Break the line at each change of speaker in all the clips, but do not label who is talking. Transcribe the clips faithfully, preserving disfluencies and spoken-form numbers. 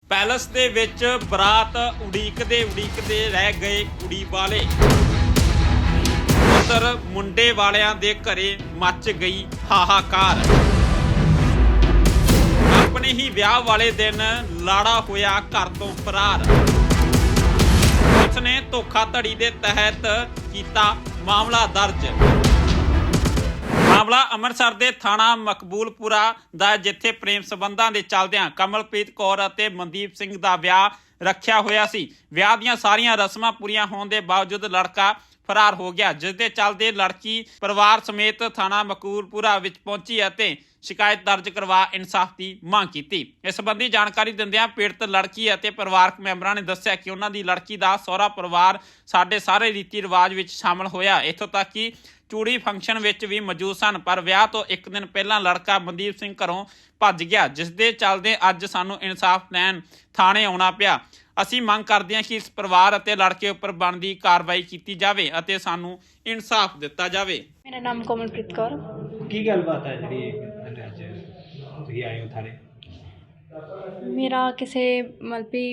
Palace ਦੇ ਵਿੱਚ ਬਰਾਤ ਉਡੀਕਦੇ ਉਡੀਕਦੇ ਰਹਿ ਗਏ ਕੁੜੀ ਵਾਲੇ। ਉਧਰ ਮੁੰਡੇ ਵਾਲਿਆਂ ਦੇ ਘਰੇ ਮੱਚ ਗਈ ਹਾਹਾਕਾਰ। ਆਪਣੇ ਹੀ ਵਿਆਹ ਵਾਲੇ ਦਿਨ ਲਾੜਾ ਹੋਇਆ ਘਰ ਤੋਂ ਫਰਾਰ। ਪੁਲਿਸ ਨੇ ਧੋਖਾਧੜੀ ਦੇ ਤਹਿਤ ਕੀਤਾ ਮਾਮਲਾ ਦਰਜ। ਮਾਮਲਾ ਅੰਮ੍ਰਿਤਸਰ ਦੇ ਥਾਣਾ ਮਕਬੂਲਪੁਰਾ ਦਾ, ਜਿੱਥੇ ਪ੍ਰੇਮ ਸੰਬੰਧਾਂ ਦੇ ਚੱਲਦਿਆਂ ਕਮਲਪ੍ਰੀਤ ਕੌਰ ਅਤੇ ਮਨਦੀਪ ਸਿੰਘ ਦਾ ਵਿਆਹ ਰੱਖਿਆ ਹੋਇਆ ਸੀ। ਵਿਆਹ ਦੀਆਂ ਸਾਰੀਆਂ ਰਸਮਾਂ ਪੂਰੀਆਂ ਹੋਣ ਦੇ ਬਾਵਜੂਦ ਲੜਕਾ ਫਰਾਰ ਹੋ ਗਿਆ, ਜਿਸ ਦੇ ਚੱਲਦੇ ਲੜਕੀ ਪਰਿਵਾਰ ਸਮੇਤ ਥਾਣਾ ਮਕਬੂਲਪੁਰਾ ਵਿੱਚ ਪਹੁੰਚੀ ਅਤੇ ਸ਼ਿਕਾਇਤ ਦਰਜ ਕਰਵਾ ਇਨਸਾਫ ਦੀ ਮੰਗ ਕੀਤੀ। ਇਸ ਸੰਬੰਧੀ ਜਾਣਕਾਰੀ ਦਿੰਦਿਆਂ ਪੀੜਤ ਲੜਕੀ ਅਤੇ ਪਰਿਵਾਰਕ ਮੈਂਬਰਾਂ ਨੇ ਦੱਸਿਆ ਕਿ ਉਹਨਾਂ ਦੀ ਲੜਕੀ ਦਾ ਸਹੁਰਾ ਪਰਿਵਾਰ ਸਾਡੇ ਸਾਰੇ ਰੀਤੀ ਰਿਵਾਜ ਵਿੱਚ ਸ਼ਾਮਲ ਹੋਇਆ, ਇੱਥੋਂ ਤੱਕ ਕਿ ਚੂੜੀ ਫੰਕਸ਼ਨ ਵਿੱਚ ਵੀ ਮੌਜੂਦ ਸਨ। ਪਰ ਵਿਆਹ ਤੋਂ ਇੱਕ ਦਿਨ ਪਹਿਲਾਂ ਲੜਕਾ ਮਨਦੀਪ ਸਿੰਘ ਘਰੋਂ ਭੱਜ ਗਿਆ, ਜਿਸ ਦੇ ਚੱਲਦੇ ਅੱਜ ਸਾਨੂੰ ਇਨਸਾਫ ਲੈਣ ਥਾਣੇ ਆਉਣਾ ਪਿਆ। ਅਸੀਂ ਮੰਗ ਕਰਦੇ ਹਾਂ ਕਿ ਇਸ ਪਰਿਵਾਰ ਅਤੇ ਲੜਕੇ ਉੱਪਰ ਬਣਦੀ ਕਾਰਵਾਈ ਕੀਤੀ ਜਾਵੇ ਅਤੇ ਸਾਨੂੰ ਇਨਸਾਫ ਦਿੱਤਾ ਜਾਵੇ।
ਮੇਰਾ ਨਾਮ ਕੋਮਲਪ੍ਰੀਤ ਕੌਰ।
ਕੀ ਗੱਲਬਾਤ ਹੈ ਜਿਹੜੀ ਅੱਜ ਤੁਸੀਂ ਆਏ ਹੋ ਥਾਣੇ?
ਮੇਰਾ ਕਿਸੇ ਮਤਲਬ ਵੀ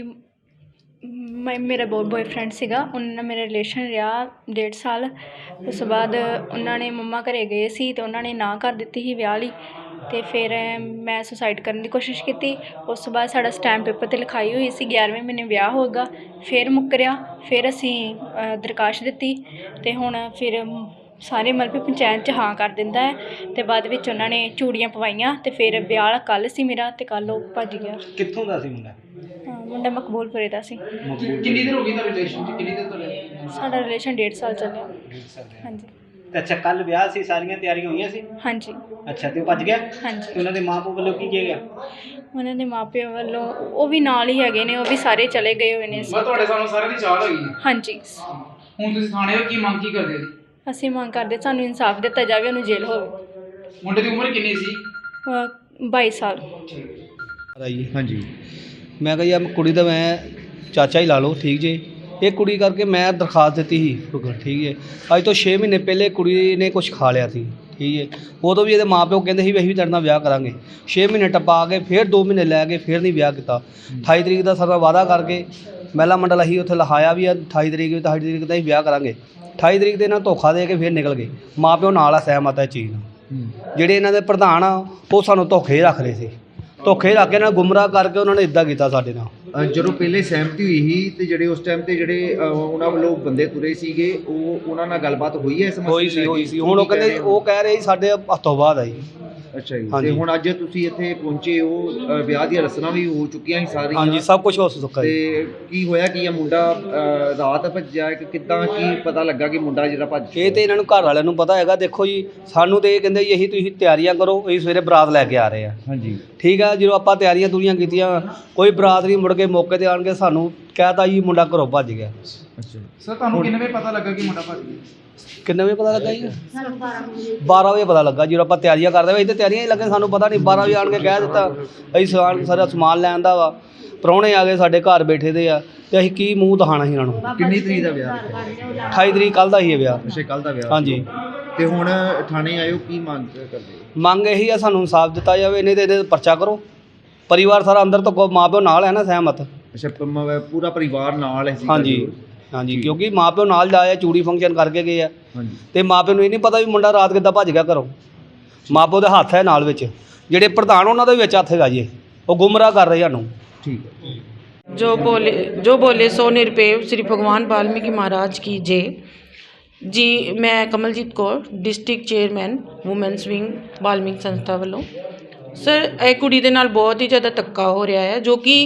ਮੈਂ ਮੇਰਾ ਬਹੁਤ ਬੋਏਫਰੈਂਡ ਸੀਗਾ, ਉਹਨਾਂ ਨਾਲ ਮੇਰਾ ਰਿਲੇਸ਼ਨ ਰਿਹਾ ਡੇਢ ਸਾਲ। ਉਸ ਤੋਂ ਬਾਅਦ ਉਹਨਾਂ ਨੇ ਮੰਮਾ ਘਰੇ ਗਏ ਸੀ ਅਤੇ ਉਹਨਾਂ ਨੇ ਨਾ ਕਰ ਦਿੱਤੀ ਸੀ ਵਿਆਹ ਲਈ, ਅਤੇ ਫਿਰ ਮੈਂ ਸੁਸਾਈਡ ਕਰਨ ਦੀ ਕੋਸ਼ਿਸ਼ ਕੀਤੀ। ਉਸ ਤੋਂ ਬਾਅਦ ਸਾਡਾ ਸਟੈਂਪ ਪੇਪਰ 'ਤੇ ਲਿਖਾਈ ਹੋਈ ਸੀ ਗਿਆਰ੍ਹਵੇਂ ਮਹੀਨੇ ਵਿਆਹ ਹੋਵੇਗਾ, ਫਿਰ ਮੁੱਕਰਿਆ। ਫਿਰ ਅਸੀਂ ਦਰਖਾਸਤ ਦਿੱਤੀ ਅਤੇ ਹੁਣ ਫਿਰ ਸਾਰੇ ਮਤਲਬ ਵੀ ਪੰਚਾਇਤ 'ਚ ਹਾਂ ਕਰ ਦਿੰਦਾ ਹੈ, ਅਤੇ ਬਾਅਦ ਵਿੱਚ ਉਹਨਾਂ ਨੇ ਚੂੜੀਆਂ ਪਵਾਈਆਂ ਅਤੇ ਫਿਰ ਵਿਆਹ ਕੱਲ੍ਹ ਸੀ ਮੇਰਾ, ਅਤੇ ਕੱਲ੍ਹ ਉਹ ਭੱਜ ਗਿਆ।
ਕਿੱਥੋਂ ਦਾ ਸੀ ਮੁੰਡਾ?
ਮੁੰਡਾ ਮਕਬੂਲਪੁਰੇ ਦਾ ਸੀ।
ਕਿੰਨੀ ਦੇਰ ਹੋ ਗਈ ਤੁਹਾਡਾ ਰਿਲੇਸ਼ਨ? ਕਿੰਨੀ ਦੇਰ ਤੋਂ?
ਸਾਡਾ ਰਿਲੇਸ਼ਨ ਡੇਢ ਸਾਲ ਚੱਲਿਆ।
ਡੇਢ ਸਾਲ ਦਾ।
ਹਾਂਜੀ।
ਤੇ ਅੱਛਾ, ਕੱਲ ਵਿਆਹ ਸੀ, ਸਾਰੀਆਂ ਤਿਆਰੀਆਂ ਹੋਈਆਂ ਸੀ?
ਹਾਂਜੀ।
ਅੱਛਾ, ਤੇ ਉਹ ਭੱਜ ਗਿਆ?
ਹਾਂਜੀ।
ਤੇ ਉਹਨਾਂ ਦੇ ਮਾਂ ਪਿਓ ਵੱਲੋਂ ਕੀ ਕਿਹਾ ਗਿਆ?
ਉਹਨਾਂ ਦੇ ਮਾਪਿਆਂ ਵੱਲੋਂ ਉਹ ਵੀ ਨਾਲ ਹੀ ਹੈਗੇ ਨੇ, ਉਹ ਵੀ ਸਾਰੇ ਚਲੇ ਗਏ ਹੋਏ ਨੇ।
ਮੈਂ ਤੁਹਾਡੇ ਸਾਨੂੰ ਸਾਰਿਆਂ ਦੀ ਚਾਹ ਹੋਈ।
ਹਾਂਜੀ।
ਹੁਣ ਤੁਸੀਂ ਥਾਣੇ ਹੋ, ਕੀ ਮੰਗ ਕੀ ਕਰਦੇ ਜੀ?
ਅਸੀਂ ਮੰਗ ਕਰਦੇ ਸਾਨੂੰ ਇਨਸਾਫ ਦਿੱਤਾ ਜਾਵੇ, ਉਹਨੂੰ ਜੇਲ੍ਹ ਹੋਵੇ।
ਮੁੰਡੇ ਦੀ ਉਮਰ ਕਿੰਨੀ ਸੀ?
ਅਹ ਬਾਈ ਸਾਲ।
ਜੀ ਹਾਂਜੀ, ਮੈਂ ਕਿਹਾ ਯਾਰ ਕੁੜੀ ਦਾ ਮੈਂ ਚਾਚਾ ਹੀ ਲਾ ਲਓ, ਠੀਕ ਜੇ। ਇਹ ਕੁੜੀ ਕਰਕੇ ਮੈਂ ਦਰਖਾਸਤ ਦਿੱਤੀ ਸੀ, ਠੀਕ ਹੈ। ਅੱਜ ਤੋਂ ਛੇ ਮਹੀਨੇ ਪਹਿਲੇ ਕੁੜੀ ਨੇ ਕੁਝ ਖਾ ਲਿਆ ਸੀ, ਠੀਕ ਹੈ। ਉਦੋਂ ਵੀ ਇਹਦੇ ਮਾਂ ਪਿਓ ਕਹਿੰਦੇ ਸੀ ਵੀ ਅਸੀਂ ਵੀ ਤੇਰੇ ਨਾਲ ਵਿਆਹ ਕਰਾਂਗੇ। ਛੇ ਮਹੀਨੇ ਟੱਪਾ ਕੇ ਫਿਰ ਦੋ ਮਹੀਨੇ ਲੈ ਕੇ ਫਿਰ ਨਹੀਂ ਵਿਆਹ ਕੀਤਾ। ਅਠਾਈ ਤਰੀਕ ਦਾ ਸਾਡਾ ਵਾਅਦਾ ਕਰਕੇ ਮਹਿਲਾ ਮੰਡਲ ਅਸੀਂ ਉੱਥੇ ਲਿਖਾਇਆ ਵੀ ਆ ਅਠਾਈ ਤਰੀਕ ਵੀ ਅਠਾਈ ਤਰੀਕ ਦਾ ਅਸੀਂ ਵਿਆਹ ਕਰਾਂਗੇ। ਅਠਾਈ ਤਰੀਕ ਦੇ ਇਹਨਾਂ ਧੋਖਾ ਦੇ ਕੇ ਫਿਰ ਨਿਕਲ ਗਏ। ਮਾਂ ਪਿਓ ਨਾਲ ਆ ਸਹਿਮਤ ਹੈ ਇਹ ਚੀਜ਼ ਨਾਲ। ਜਿਹੜੇ ਇਹਨਾਂ ਦੇ ਪ੍ਰਧਾਨ ਆ ਉਹ ਸਾਨੂੰ ਧੋਖੇ ਰੱਖ ਰਹੇ ਸੀ, ਧੋਖੇ ਰੱਖ ਕੇ ਨਾਲ ਗੁੰਮਰਾਹ ਕਰਕੇ ਉਹਨਾਂ ਨੇ ਇੱਦਾਂ ਕੀਤਾ ਸਾਡੇ ਨਾਲ।
ਜਦੋਂ ਪਹਿਲੇ ਸਹਿਮਤੀ ਹੋਈ ਸੀ ਤੇ ਜਿਹੜੇ ਉਸ ਟਾਈਮ ਤੇ ਜਿਹੜੇ ਉਹਨਾਂ ਵੱਲੋਂ ਬੰਦੇ ਤੁਰੇ ਸੀਗੇ, ਉਹ ਉਹਨਾਂ ਨਾਲ ਗੱਲਬਾਤ ਹੋਈ ਹੈ ਇਸ ਮਸਲੇ
ਹੋਈ ਸੀ ਹੋਈ ਸੀ ਹੁਣ ਉਹ ਕਹਿੰਦੇ ਉਹ ਕਹਿ ਰਹੇ ਸੀ ਸਾਡੇ ਹੱਥੋਂ ਬਾਅਦ ਆਈ।
ਅੱਛਾ ਜੀ। ਤੇ ਹੁਣ ਅੱਜ ਤੁਸੀਂ ਇੱਥੇ ਪਹੁੰਚੇ ਹੋ, ਵਿਆਹ ਦੀਆਂ ਰਸਮਾਂ ਵੀ ਹੋ ਚੁੱਕੀਆਂ ਸੀ ਸਾਰੀਆਂ?
ਹਾਂਜੀ, ਸਭ ਕੁਝ ਹੋ ਚੁੱਕਾ।
ਤੇ ਕੀ ਹੋਇਆ ਕੀ ਆ? ਮੁੰਡਾ ਰਾਤ ਭੱਜਿਆ ਕਿ ਕਿੱਦਾਂ, ਕੀ ਪਤਾ ਲੱਗਾ ਕਿ ਮੁੰਡਾ ਜਿਹੜਾ ਭੱਜ?
ਇਹ ਤੇ ਇਹਨਾਂ ਨੂੰ ਘਰ ਵਾਲਿਆਂ ਨੂੰ ਪਤਾ ਹੈਗਾ। ਦੇਖੋ ਜੀ, ਸਾਨੂੰ ਤੇ ਇਹ ਕਹਿੰਦੇ ਜੀ ਅਸੀਂ ਤੁਸੀਂ ਤਿਆਰੀਆਂ ਕਰੋ, ਅਸੀਂ ਸਵੇਰੇ ਬਰਾਤ ਲੈ ਕੇ ਆ ਰਹੇ ਆ।
ਹਾਂਜੀ,
ਠੀਕ ਆ। ਜਦੋਂ ਆਪਾਂ ਤਿਆਰੀਆਂ ਤੁਰੀਆਂ ਕੀਤੀਆਂ, ਕੋਈ ਬਰਾਤ ਨਹੀਂ, ਮੁੜ ਕੇ ਮੌਕੇ 'ਤੇ ਆਣ ਕੇ ਸਾਨੂੰ ਕਹਿਤਾ ਜੀ ਮੁੰਡਾ ਘਰੋਂ ਭੱਜ ਗਿਆ।
ਅੱਛਾ
ਸਰ, ਤੁਹਾਨੂੰ ਕਿੰਨੇ ਵਜੇ ਪਤਾ ਲੱਗਾ ਕਿ ਮੁੰਡਾ ਭੱਜ ਗਿਆ?
ਕਿੰਨੇ ਵਜੇ ਪਤਾ ਲੱਗਾ ਜੀ? ਬਾਰਾਂ ਵਜੇ ਪਤਾ ਲੱਗਾ। ਜਦੋਂ ਆਪਾਂ ਤਿਆਰੀਆਂ ਕਰਦੇ ਹੋਏ, ਇਹ ਤਾਂ ਤਿਆਰੀਆਂ ਹੀ ਲੱਗੇ, ਸਾਨੂੰ ਪਤਾ ਨਹੀਂ। ਬਾਰਾਂ ਵਜੇ ਆਣ ਕੇ ਕਹਿ ਦਿੱਤਾ ਅਸੀਂ ਸਮਾਨ ਸਾਰਾ ਸਮਾਨ ਲੈਣ ਦਾ ਵਾ। ਪ੍ਰਾਹੁਣੇ ਆ ਗਏ ਸਾਡੇ ਘਰ ਬੈਠੇ ਦੇ ਆ, ਅਤੇ ਅਸੀਂ ਕੀ ਮੂੰਹ ਦਿਖਾਉਣਾ ਸੀ ਇਹਨਾਂ ਨੂੰ।
ਕਿੰਨੀ ਤਰੀਕ ਦਾ ਵਿਆਹ?
ਅਠਾਈ ਤਰੀਕ ਕੱਲ੍ਹ ਦਾ ਹੀ ਹੈ ਵਿਆਹ।
ਅੱਛਾ, ਕੱਲ੍ਹ ਦਾ ਵਿਆਹ।
ਹਾਂਜੀ।
ਤੇ ਹੁਣ ਥਾਣੇ ਆਇਓ, ਕੀ ਮੰਗ ਕਰਦੇ?
ਮੰਗ ਇਹੀ ਆ ਸਾਨੂੰ ਇਨਸਾਫ ਦਿੱਤਾ ਜਾਵੇ, ਨਹੀਂ ਤਾਂ ਇਹਦੇ ਪਰਚਾ ਕਰੋ। ਪਰਿਵਾਰ ਸਾਰਾ ਅੰਦਰ ਤੋਂ ਮਾਂ ਪਿਓ ਨਾਲ ਹੈ ਨਾ ਸਹਿਮਤ?
ਅੱਛਾ, ਪੂਰਾ ਪਰਿਵਾਰ ਨਾਲ ਹੈ?
ਹਾਂਜੀ ਹਾਂਜੀ, ਕਿਉਂਕਿ ਮਾਂ ਪਿਓ ਨਾਲ ਜਾਏ, ਚੂੜੀ ਫੰਕਸ਼ਨ ਕਰਕੇ ਗਏ ਆ।
ਹਾਂਜੀ।
ਅਤੇ ਮਾਂ ਪਿਓ ਨੂੰ ਇਹ ਨਹੀਂ ਪਤਾ ਵੀ ਮੁੰਡਾ ਰਾਤ ਕਿੱਦਾਂ ਭੱਜ ਗਿਆ ਘਰੋਂ। ਮਾਂ ਪਿਓ ਦੇ ਹੱਥ ਹੈ ਨਾਲ ਵਿੱਚ, ਜਿਹੜੇ ਪ੍ਰਧਾਨ ਉਹਨਾਂ ਦਾ ਵੀ ਵਿੱਚ ਹੱਥ ਹੈਗਾ ਜੀ। ਉਹ ਗੁੰਮਰਾਹ ਕਰ ਰਹੇ ਸਾਨੂੰ।
ਠੀਕ ਹੈ।
जो बोले जो बोले सो निरपेव श्री भगवान वाल्मीकि महाराज की जय जी। मैं Kamaljit Kaur, district chairman women's wing Valmiki संस्था ਵੱਲੋਂ। ਸਰ, ਇਹ ਕੁੜੀ ਦੇ ਨਾਲ ਬਹੁਤ ਹੀ ਜ਼ਿਆਦਾ ਧੱਕਾ ਹੋ ਰਿਹਾ ਹੈ, ਜੋ ਕਿ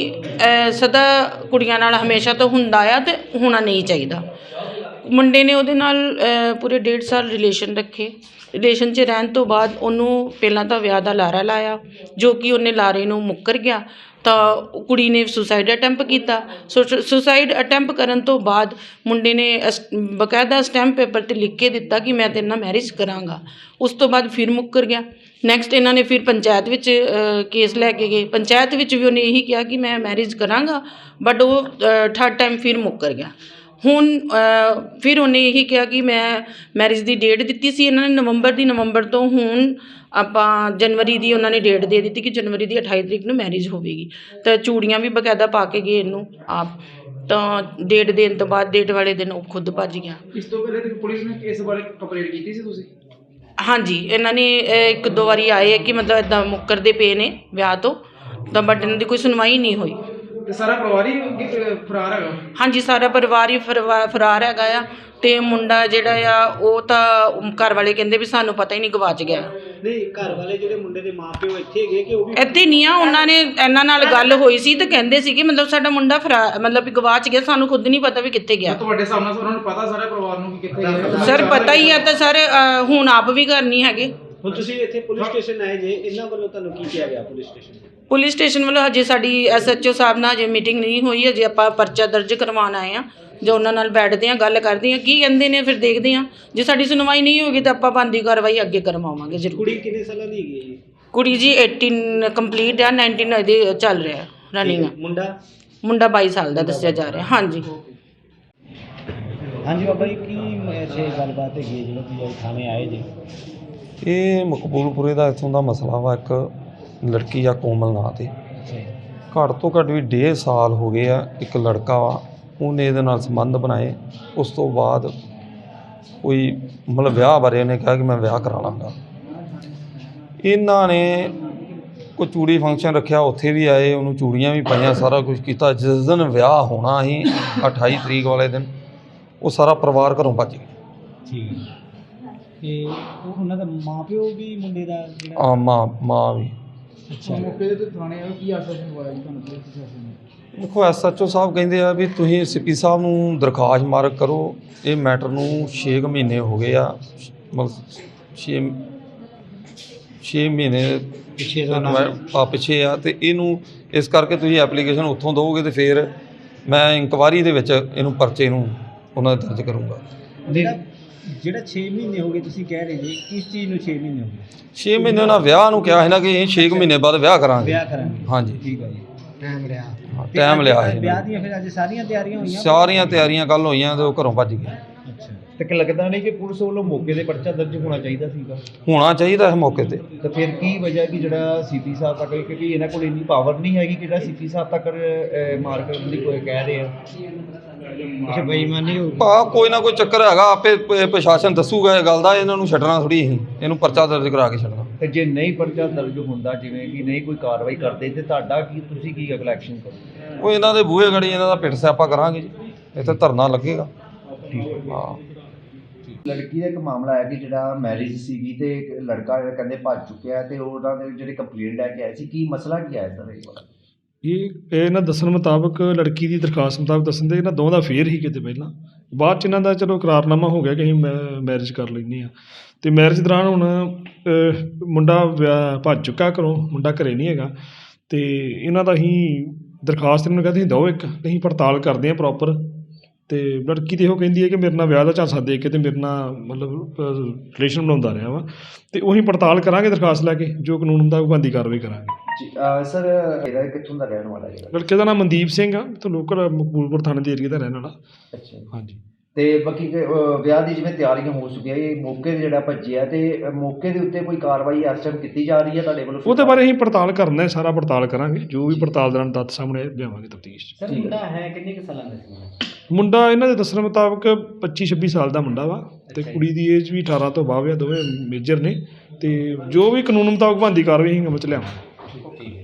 ਸਦਾ ਕੁੜੀਆਂ ਨਾਲ ਹਮੇਸ਼ਾ ਤੋਂ ਹੁੰਦਾ ਆ ਅਤੇ ਹੋਣਾ ਨਹੀਂ ਚਾਹੀਦਾ। ਮੁੰਡੇ ਨੇ ਉਹਦੇ ਨਾਲ ਪੂਰੇ ਡੇਢ ਸਾਲ ਰਿਲੇਸ਼ਨ ਰੱਖੇ। ਰਿਲੇਸ਼ਨ 'ਚ ਰਹਿਣ ਤੋਂ ਬਾਅਦ ਉਹਨੂੰ ਪਹਿਲਾਂ ਤਾਂ ਵਿਆਹ ਦਾ ਲਾਰਾ ਲਾਇਆ, ਜੋ ਕਿ ਉਹਨੇ ਲਾਰੇ ਨੂੰ ਮੁੱਕਰ ਗਿਆ। ਤਾਂ ਕੁੜੀ ਨੇ ਸੁਸਾਈਡ ਅਟੈਂਪ ਕੀਤਾ। ਸੋ ਸੁਸਾਈਡ ਅਟੈਂਪ ਕਰਨ ਤੋਂ ਬਾਅਦ ਮੁੰਡੇ ਨੇ ਅਸ ਬਕਾਇਦਾ ਸਟੈਂਪ ਪੇਪਰ 'ਤੇ ਲਿਖ ਕੇ ਦਿੱਤਾ ਕਿ ਮੈਂ ਤੇਰੇ ਨਾਲ ਮੈਰਿਜ ਕਰਾਂਗਾ। ਉਸ ਤੋਂ ਬਾਅਦ ਫਿਰ ਮੁੱਕਰ ਗਿਆ। ਨੈਕਸਟ ਇਹਨਾਂ ਨੇ ਫਿਰ ਪੰਚਾਇਤ ਵਿੱਚ ਕੇਸ ਲੈ ਕੇ ਗਏ। ਪੰਚਾਇਤ ਵਿੱਚ ਵੀ ਉਹਨੇ ਇਹੀ ਕਿਹਾ ਕਿ ਮੈਂ ਮੈਰਿਜ ਕਰਾਂਗਾ, ਬਟ ਉਹ ਥਰਡ ਟਾਈਮ ਫਿਰ ਮੁੱਕਰ ਗਿਆ। ਹੁਣ ਅ, ਫਿਰ ਉਹਨੇ ਇਹੀ ਕਿਹਾ ਕਿ ਮੈਂ ਮੈਰਿਜ ਦੀ ਡੇਟ ਦਿੱਤੀ ਸੀ ਇਹਨਾਂ ਨੇ ਨਵੰਬਰ ਦੀ, ਨਵੰਬਰ ਤੋਂ ਹੁਣ ਆਪਾਂ ਜਨਵਰੀ ਦੀ ਉਹਨਾਂ ਨੇ ਡੇਟ ਦੇ ਦਿੱਤੀ ਕਿ ਜਨਵਰੀ ਦੀ ਅਠਾਈ ਤਰੀਕ ਨੂੰ ਮੈਰਿਜ ਹੋਵੇਗੀ। ਤਾਂ ਚੂੜੀਆਂ ਵੀ ਬਕਾਇਦਾ ਪਾ ਕੇ ਗਏ ਇਹਨੂੰ ਆਪ, ਤਾਂ ਡੇਟ ਦੇਣ ਤੋਂ ਬਾਅਦ ਡੇਟ ਵਾਲੇ ਦਿਨ ਉਹ ਖੁਦ ਭੱਜ ਗਿਆ।
ਇਸ ਤੋਂ ਪਹਿਲੇ ਤੇ ਪੁਲਿਸ ਨੇ ਇਸ ਬਾਰੇ ਕੰਪਲੇਂਟ ਕੀਤੀ ਸੀ ਤੁਸੀਂ?
ਹਾਂਜੀ, ਇਹਨਾਂ ਨੇ ਅ, ਇੱਕ ਦੋ ਵਾਰੀ ਆਏ ਕਿ ਮਤਲਬ ਇੱਦਾਂ ਮੁੱਕਰਦੇ ਪਏ ਨੇ ਵਿਆਹ ਤੋਂ, ਤਾਂ ਬਟ ਇਹਨਾਂ ਦੀ ਕੋਈ ਸੁਣਵਾਈ ਨਹੀਂ ਹੋਈ।
ਤੇ ਸਾਰਾ ਪਰਿਵਾਰ ਹੀ ਕਿ- ਫਰਾਰ ਹੈਗਾ?
ਹਾਂਜੀ, ਸਾਰਾ ਪਰਿਵਾਰ ਹੀ ਫਰਵਾ- ਫਰਾਰ ਹੈਗਾ ਆ। ਤੇ ਮੁੰਡਾ ਜਿਹੜਾ ਆ ਉਹ ਤਾਂ ਘਰ ਵਾਲੇ ਕਹਿੰਦੇ ਵੀ ਸਾਨੂੰ ਪਤਾ ਹੀ ਨਹੀਂ, ਗਵਾਚ ਗਿਆ।
ਨਹੀਂ, ਘਰ ਵਾਲੇ ਜਿਹੜੇ ਮੁੰਡੇ ਦੇ ਮਾਪਿਓ ਇੱਥੇ ਹੈਗੇ ਕਿ ਉਹ ਵੀ
ਇੱਥੇ ਨਹੀਂ ਆ, ਉਹਨਾਂ ਨੇ ਇਹਨਾਂ ਨਾਲ ਗੱਲ ਹੋਈ ਸੀ ਤੇ ਕਹਿੰਦੇ ਸੀ ਕਿ ਮਤਲਬ ਸਾਡਾ ਮੁੰਡਾ ਫਰਾ ਮਤਲਬ ਵੀ ਗਵਾਚ ਗਿਆ, ਸਾਨੂੰ ਖੁਦ ਨਹੀਂ ਪਤਾ ਵੀ ਕਿੱਥੇ ਗਿਆ।
ਤੁਹਾਡੇ ਸਾਹਮਣੇ ਉਹਨਾਂ ਨੂੰ ਪਤਾ ਸਾਰੇ ਪਰਿਵਾਰ ਨੂੰ ਕਿ ਕਿੱਥੇ ਗਿਆ?
ਸਰ ਪਤਾ ਹੀ ਆ, ਤਾਂ ਸਰ ਅ, ਹੁਣ ਆਪ ਵੀ ਘਰ ਨਹੀਂ ਹੈਗੇ।
ਹੁਣ ਤੁਸੀਂ ਇੱਥੇ ਪੁਲਿਸ ਸਟੇਸ਼ਨ ਆਏ ਜੇ, ਇਹਨਾਂ ਵੱਲੋਂ ਤੁਹਾਨੂੰ ਕੀ ਕਿਹਾ ਗਿਆ ਪੁਲਿਸ ਸਟੇਸ਼ਨ?
ਪੁਲਿਸ ਸਟੇਸ਼ਨ ਵੱਲੋਂ ਹਜੇ ਸਾਡੀ ਐਸ ਐਚ ਓ ਸਾਹਿਬ ਨਾਲ ਹਜੇ ਮੀਟਿੰਗ ਨਹੀਂ ਹੋਈ, ਹਜੇ ਆਪਾਂ ਪਰਚਾ ਦਰਜ ਕਰਵਾਉਣ ਆਏ ਆ। ਜੋ ਉਹਨਾਂ ਨਾਲ ਬੈਠਦੇ ਆ, ਗੱਲ ਕਰਦੇ ਆ, ਕੀ ਕਹਿੰਦੇ ਨੇ ਫਿਰ ਦੇਖਦੇ ਆ। ਜੇ ਸਾਡੀ ਸੁਣਵਾਈ ਨਹੀਂ ਹੋਗੀ ਤਾਂ ਆਪਾਂ ਬਣਦੀ ਕਾਰਵਾਈ ਅੱਗੇ ਕਰਵਾਵਾਂਗੇ ਜ਼ਰੂਰ।
ਕੁੜੀ ਕਿੰਨੇ ਸਾਲਾਂ ਦੀ ਹੈਗੀ ਹੈ ਜੀ?
ਕੁੜੀ ਜੀ ਅਠਾਰਾਂ ਕੰਪਲੀਟ ਆ, ਉਨੱਤੀ ਇਹਦੇ ਚੱਲ ਰਿਹਾ ਰਨਿੰਗ।
ਮੁੰਡਾ
ਮੁੰਡਾ ਬਾਈ ਸਾਲ ਦਾ ਦੱਸਿਆ ਜਾ ਰਿਹਾ। ਹਾਂਜੀ
ਹਾਂਜੀ ਬਾਬਾ ਜੀ, ਕੀ ਐਸੇ ਗੱਲਬਾਤ ਹੈਗੀ ਹੈ ਜਦੋਂ ਤੁਸੀਂ ਥਾਣੇ ਆਏ ਜੀ?
ਇਹ ਮਕਬੂਲਪੁਰੇ ਦਾ ਇੱਥੋਂ ਦਾ ਮਸਲਾ ਵਾ। ਇੱਕ ਲੜਕੀ ਆ ਕੋਮਲ ਨਾਂ 'ਤੇ, ਘੱਟ ਤੋਂ ਘੱਟ ਵੀ ਡੇਢ ਸਾਲ ਹੋ ਗਏ ਆ। ਇੱਕ ਲੜਕਾ ਵਾ, ਉਹਨੇ ਇਹਦੇ ਨਾਲ ਸੰਬੰਧ ਬਣਾਏ। ਉਸ ਤੋਂ ਬਾਅਦ ਕੋਈ ਮਤਲਬ ਵਿਆਹ ਬਾਰੇ ਉਹਨੇ ਕਿਹਾ ਕਿ ਮੈਂ ਵਿਆਹ ਕਰਾ ਲਾਂਗਾ। ਇਹਨਾਂ ਨੇ ਕੋਈ ਚੂੜੀ ਫੰਕਸ਼ਨ ਰੱਖਿਆ, ਉੱਥੇ ਵੀ ਆਏ, ਉਹਨੂੰ ਚੂੜੀਆਂ ਵੀ ਪਾਈਆਂ, ਸਾਰਾ ਕੁਝ ਕੀਤਾ। ਜਿਸ ਦਿਨ ਵਿਆਹ ਹੋਣਾ ਸੀ ਅਠਾਈ ਤਰੀਕ ਵਾਲੇ ਦਿਨ, ਉਹ ਸਾਰਾ ਪਰਿਵਾਰ ਘਰੋਂ ਭੱਜ ਗਿਆ।
ਠੀਕ ਹੈ। ਤੇ ਉਹ ਉਹਨਾਂ ਦਾ ਮਾਪਿਓ ਵੀ ਮੁੰਡੇ ਦਾ ਜਿਹੜਾ
ਆ ਮਾਂ ਮਾਂ ਵੀ।
ਅੱਛਾ,
ਮੌਕੇ ਤੇ ਥਾਣੇ ਆਏ, ਕੀ ਆਸ਼ਵਾਸਨ ਹੋਇਆ ਜੀ ਤੁਹਾਨੂੰ ਪੁਲਿਸ ਪ੍ਰਸ਼ਾਸਨ ਨੇ?
ਦੇਖੋ, ਐਸ ਐਚ ਓ ਸਾਹਿਬ ਕਹਿੰਦੇ ਆ ਵੀ ਤੁਸੀਂ ਸੀਪੀ ਸਾਹਿਬ ਨੂੰ ਦਰਖਾਸਤ ਮਾਰਕ ਕਰੋ। ਇਹ ਮੈਟਰ ਨੂੰ ਛੇ ਕੁ ਮਹੀਨੇ ਹੋ ਗਏ ਆ, ਮਤਲਬ ਛੇ ਛੇ ਮਹੀਨੇ
ਪਿੱਛੇ ਦਾ ਨਾਮ
ਆ ਪਿੱਛੇ ਆ। ਅਤੇ ਇਹਨੂੰ ਇਸ ਕਰਕੇ ਤੁਸੀਂ ਐਪਲੀਕੇਸ਼ਨ ਉੱਥੋਂ ਦਿਓਗੇ ਅਤੇ ਫਿਰ ਮੈਂ ਇਨਕੁਆਇਰੀ ਦੇ ਵਿੱਚ ਇਹਨੂੰ ਪਰਚੇ ਨੂੰ ਉਹਨਾਂ ਦਾ ਦਰਜ ਕਰੂੰਗਾ।
ਜਿਹੜਾ ਜਿਹੜਾ ਛੇ ਮਹੀਨੇ ਹੋ ਗਏ ਤੁਸੀਂ ਕਹਿ ਰਹੇ ਜੀ, ਕਿਸ ਚੀਜ਼ ਨੂੰ ਛੇ ਮਹੀਨੇ ਹੋ ਗਏ?
ਛੇ ਮਹੀਨੇ ਉਹਨਾਂ ਵਿਆਹ ਨੂੰ ਕਿਹਾ ਸੀ ਨਾ ਕਿ ਅਸੀਂ ਛੇ ਕੁ ਮਹੀਨੇ ਬਾਅਦ ਵਿਆਹ ਕਰਾਂਗੇ।
ਵਿਆਹ ਕਰਾਂਗੇ।
ਹਾਂਜੀ,
ਠੀਕ ਹੈ ਜੀ, ਟਾਈਮ ਲਿਆ।
ਹਾਂ, ਟਾਈਮ ਲਿਆ ਸੀ
ਵਿਆਹ ਦੀਆਂ ਫਿਰ ਅੱਜ ਸਾਰੀਆਂ ਤਿਆਰੀਆਂ ਹੋਈਆਂ?
ਸਾਰੀਆਂ ਤਿਆਰੀਆਂ ਕੱਲ੍ਹ ਹੋਈਆਂ ਅਤੇ ਉਹ ਘਰੋਂ ਭੱਜ ਗਏ।
ਅੱਛਾ,
ਤੇ ਕਿ ਲੱਗਦਾ ਨਹੀਂ ਕਿ ਪੁਲਿਸ ਵੱਲੋਂ ਮੌਕੇ ਦੇ ਪਰਚਾ ਦਰਜ ਹੋਣਾ ਚਾਹੀਦਾ ਸੀਗਾ?
ਹੋਣਾ ਚਾਹੀਦਾ ਇਸ ਮੌਕੇ 'ਤੇ।
ਤਾਂ ਫਿਰ ਕੀ ਵਜ੍ਹਾ ਕਿ ਜਿਹੜਾ ਸੀਪੀ ਸਾਹਿਬ ਤੱਕ, ਕਿਉਂਕਿ ਇਹਨਾਂ ਕੋਲ ਇੰਨੀ ਪਾਵਰ ਨਹੀਂ ਹੈਗੀ ਕਿ ਜਿਹੜਾ ਸੀਪੀ ਸਾਹਿਬ ਤੱਕ ਅਹ, ਮਾਰ ਕਰਨ ਦੀ ਕੋਈ ਕਹਿ ਰਹੇ ਆ?
ਅੱਛਾ, ਬੇਈਮਾਨੀ ਹੋ ਗਈ।
ਭਾ ਕੋਈ ਨਾ ਕੋਈ ਚੱਕਰ ਹੈਗਾ, ਆਪੇ ਪ- ਪ੍ਰਸ਼ਾਸਨ ਦੱਸੂਗਾ ਇਹ ਗੱਲ ਦਾ। ਇਹਨਾਂ ਨੂੰ ਛੱਡਣਾ ਥੋੜ੍ਹੀ ਅਸੀਂ, ਇਹਨੂੰ ਪਰਚਾ ਦਰਜ ਕਰਾ ਕੇ ਛੱਡਣਾ।
ਤੇ ਜੇ ਨਹੀਂ ਪਰਚਾ ਦਰਜ ਹੁੰਦਾ, ਜਿਵੇਂ ਕਿ ਨਹੀਂ ਕੋਈ ਕਾਰਵਾਈ ਕਰਦੇ, ਤੇ ਤੁਹਾਡਾ ਕੀ, ਤੁਸੀਂ ਕੀ ਅਗਲਾ ਐਕਸ਼ਨ ਕਰੋਗੇ?
ਉਹ ਇਹਨਾਂ ਦੇ ਬੂਹੇ ਗੜੀ ਇਹਨਾਂ ਦਾ ਪਿੱਟ ਸਿਆਪਾ ਕਰਾਂਗੇ ਜੀ, ਇੱਥੇ ਧਰਨਾ ਲੱਗੇਗਾ। ਹਾਂ,
ਲੜਕੀ ਦਾ ਇੱਕ ਮਾਮਲਾ ਹੈ ਕਿ ਜਿਹੜਾ ਮੈਰਿਜ ਸੀਗੀ ਤੇ ਇੱਕ ਲੜਕਾ ਜਿਹੜਾ ਕਹਿੰਦੇ ਭੱਜ ਚੁੱਕਿਆ, ਤੇ ਉਹਨਾਂ ਦੇ ਜਿਹੜੇ ਕੰਪਲੇਂਟ ਲੈ ਕੇ ਆਏ ਸੀ, ਕੀ ਮਸਲਾ ਕੀ ਆਇਆ ਸਰ ਇਹ ਵਾਲਾ?
ਇਹ ਇਹ ਇਹਨਾਂ ਦੱਸਣ ਮੁਤਾਬਕ, ਲੜਕੀ ਦੀ ਦਰਖਾਸਤ ਮੁਤਾਬਕ ਦੱਸਣ ਦੇ, ਇਹਨਾਂ ਦੋਵਾਂ ਦਾ ਫੇਰ ਹੀ ਕਿਤੇ ਪਹਿਲਾਂ, ਬਾਅਦ 'ਚ ਇਹਨਾਂ ਦਾ ਚਲੋ ਇਕਰਾਰਨਾਮਾ ਹੋ ਗਿਆ ਕਿ ਅਸੀਂ ਮੈ ਮੈਰਿਜ ਕਰ ਲੈਂਦੇ ਹਾਂ। ਅਤੇ ਮੈਰਿਜ ਦੌਰਾਨ ਹੁਣ ਅਹ, ਮੁੰਡਾ ਵਿਆਹ ਭੱਜ ਚੁੱਕਾ ਘਰੋਂ, ਮੁੰਡਾ ਘਰੇ ਨਹੀਂ ਹੈਗਾ। ਅਤੇ ਇਹਨਾਂ ਦਾ ਅਸੀਂ ਦਰਖਾਸਤ ਇਹਨਾਂ ਨੂੰ ਕਹਿੰਦੇ ਦਿਓ ਇੱਕ, ਅਸੀਂ ਪੜਤਾਲ ਕਰਦੇ ਹਾਂ ਪ੍ਰੋਪਰ। ਅਤੇ ਲੜਕੀ ਤਾਂ ਇਹੋ ਕਹਿੰਦੀ ਹੈ ਕਿ ਮੇਰੇ ਨਾਲ ਵਿਆਹ ਦਾ ਝਾਂਸਾ ਦੇ ਕੇ ਅਤੇ ਮੇਰੇ ਨਾਲ ਮਤਲਬ ਰਿਲੇਸ਼ਨ ਬਣਾਉਂਦਾ ਰਿਹਾ ਵਾ। ਅਤੇ ਉਹੀ ਪੜਤਾਲ ਕਰਾਂਗੇ ਦਰਖਾਸਤ ਲੈ ਕੇ, ਜੋ ਕਾਨੂੰਨ ਹੁੰਦਾ ਉਹ ਬਣਦੀ ਕਾਰਵਾਈ ਕਰਾਂਗੇ।
ਜੀ ਸਰ, ਇਹਦਾ ਕਿੱਥੋਂ ਦਾ ਰਹਿਣ ਵਾਲਾ ਜਿਹੜਾ?
ਲੜਕੇ ਦਾ ਨਾਮ ਮਨਦੀਪ ਸਿੰਘ ਆ, ਤੇ ਲੋਕਲ ਮਕਬੂਲਪੁਰ ਥਾਣੇ ਦੇ ਏਰੀਆ ਦਾ ਰਹਿਣ ਵਾਲਾ।
ਅੱਛਾ,
ਹਾਂਜੀ।
ਤੇ ਬਾਕੀ ਕਿ, ਅਹ, ਵਿਆਹ ਦੀ ਜਿਵੇਂ ਤਿਆਰੀਆਂ ਹੋ ਚੁੱਕੀਆਂ, ਇਹ ਮੌਕੇ 'ਤੇ ਜਿਹੜਾ ਭੱਜਿਆ, ਤੇ ਮੌਕੇ ਦੇ ਉੱਤੇ ਕੋਈ ਕਾਰਵਾਈ ਇਸ ਟਾਈਮ ਕੀਤੀ ਜਾ ਰਹੀ ਹੈ ਤੁਹਾਡੇ ਵੱਲੋਂ?
ਉਹਦੇ ਬਾਰੇ ਅਸੀਂ ਪੜਤਾਲ ਕਰਨਾ ਹੈ, ਸਾਰਾ ਪੜਤਾਲ ਕਰਾਂਗੇ, ਜੋ ਵੀ ਪੜਤਾਲ ਦੌਰਾਨ ਤੱਥ ਸਾਹਮਣੇ ਲਿਆਵਾਂਗੇ ਤਫਤੀਸ਼ 'ਚ।
ਸਰ ਮੁੰਡਾ ਹੈ ਕਿੰਨੇ ਕੁ ਸਾਲਾਂ ਦਾ ਸੀ?
ਮੁੰਡਾ ਇਹਨਾਂ ਦੇ ਦੱਸਣ ਮੁਤਾਬਕ ਪੱਚੀ ਛੱਬੀ ਸਾਲ ਦਾ ਮੁੰਡਾ ਵਾ, ਤੇ ਕੁੜੀ ਦੀ ਏਜ ਵੀ ਅਠਾਰਾਂ ਤੋਂ ਬਾਅਦ ਆ, ਦੋਵੇਂ ਮੇਜਰ ਨੇ। ਤੇ ਜੋ ਵੀ ਕਾਨੂੰਨ ਮੁਤਾਬਕ ਬਣਦੀ ਕਾਰਵਾਈ ਅਸੀਂ ਅਮਲ 'ਚ ਲਿਆਵਾਂਗੇ।